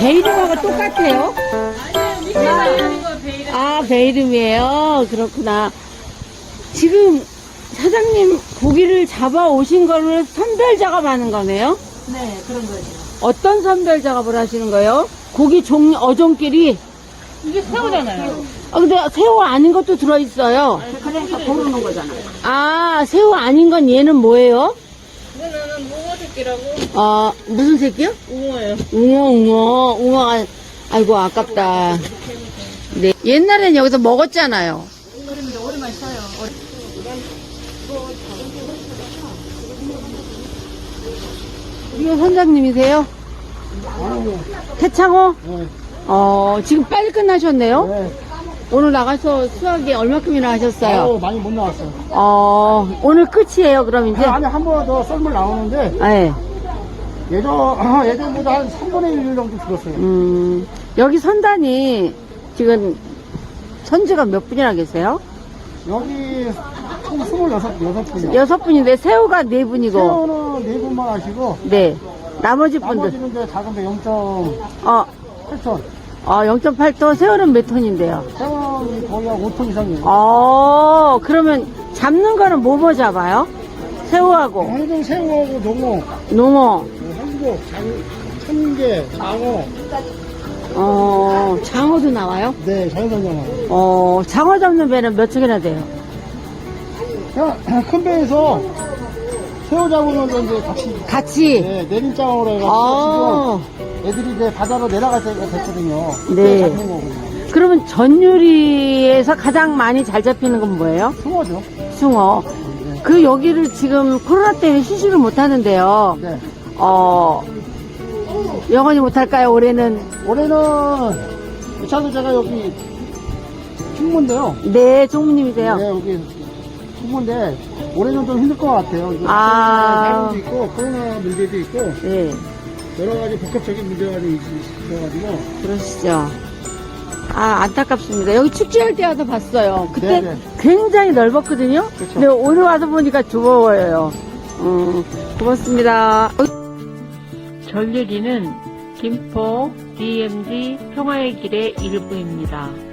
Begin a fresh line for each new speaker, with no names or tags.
배 이름하고 똑같아요? 아, 배 이름이에요? 그렇구나. 지금 사장님 고기를 잡아 오신 거를 선별 작업하는 거네요?
네, 그런 거죠.
어떤 선별 작업을 하시는 거예요? 고기 어종끼리?
이게 새우잖아요.
아, 근데 새우 아닌 것도 들어있어요.
그러니까 고르는 거잖아요.
아, 새우 아닌 건 얘는 뭐예요?
이거는 붕어 새끼라고.
무슨 새끼요?
붕어예요.
웅어가, 아이고, 아깝다. 네. 옛날엔 여기서 먹었잖아요.
그러면 오랜만에 써요.
이거 선장님이세요? 태창호?
네.
지금 빨리 끝나셨네요?
네.
오늘 나가서 수확이 얼마큼이나 하셨어요?
많이 못 나왔어요.
오늘 끝이에요, 그럼 이제?
안에 한 번 더 썰물 나오는데,
네.
예전보다 한 3분의 1 정도 줄었어요.
여기 선단이 지금 선주가 몇 분이나 계세요?
여기 총 26분이요.
6분인데 새우가 4분이고.
새우는 4분만 하시고,
네. 나머지 분들.
나머지는 이제 작은데 0.8톤.
어, 0.8톤, 새우는 몇 톤인데요?
새우는 거의 한 5톤 이상이에요.
그러면 잡는 거는 뭐 잡아요? 새우하고,
항정 새우하고
농어,
한국, 참게, 장어.
장어도 나와요?
네, 자연산 장어.
장어 잡는 배는 몇 척이나 돼요?
그냥 큰 배에서 새우 잡으면 이제
같이?
네, 내림장어로 해가지고 지금 애들이 이제 바다로 내려갈 때가 됐거든요.
네.
잡는 거거든요.
그러면 전유리에서 가장 많이 잘 잡히는 건 뭐예요?
숭어죠.
숭어. 그 여기를 지금 코로나 때문에 쉬지를 못하는데요.
네.
영원히 못할까요, 올해는?
올해는 차도 제가 여기 충무인데요.
네, 종무님이세요.
네, 여기 충무인데 올해는 좀 힘들 것 같아요.
아.
사람도 있고 코로나 문제도 있고
네,
여러 가지 복합적인 문제가 좀 있어가지고.
그러시죠. 안타깝습니다. 여기 축제할 때 와서 봤어요. 그때
네네.
굉장히 넓었거든요.
그쵸.
근데 오늘 와서 보니까 좁아요. 고맙습니다. 전유리는 김포 DMZ 평화의 길의 일부입니다.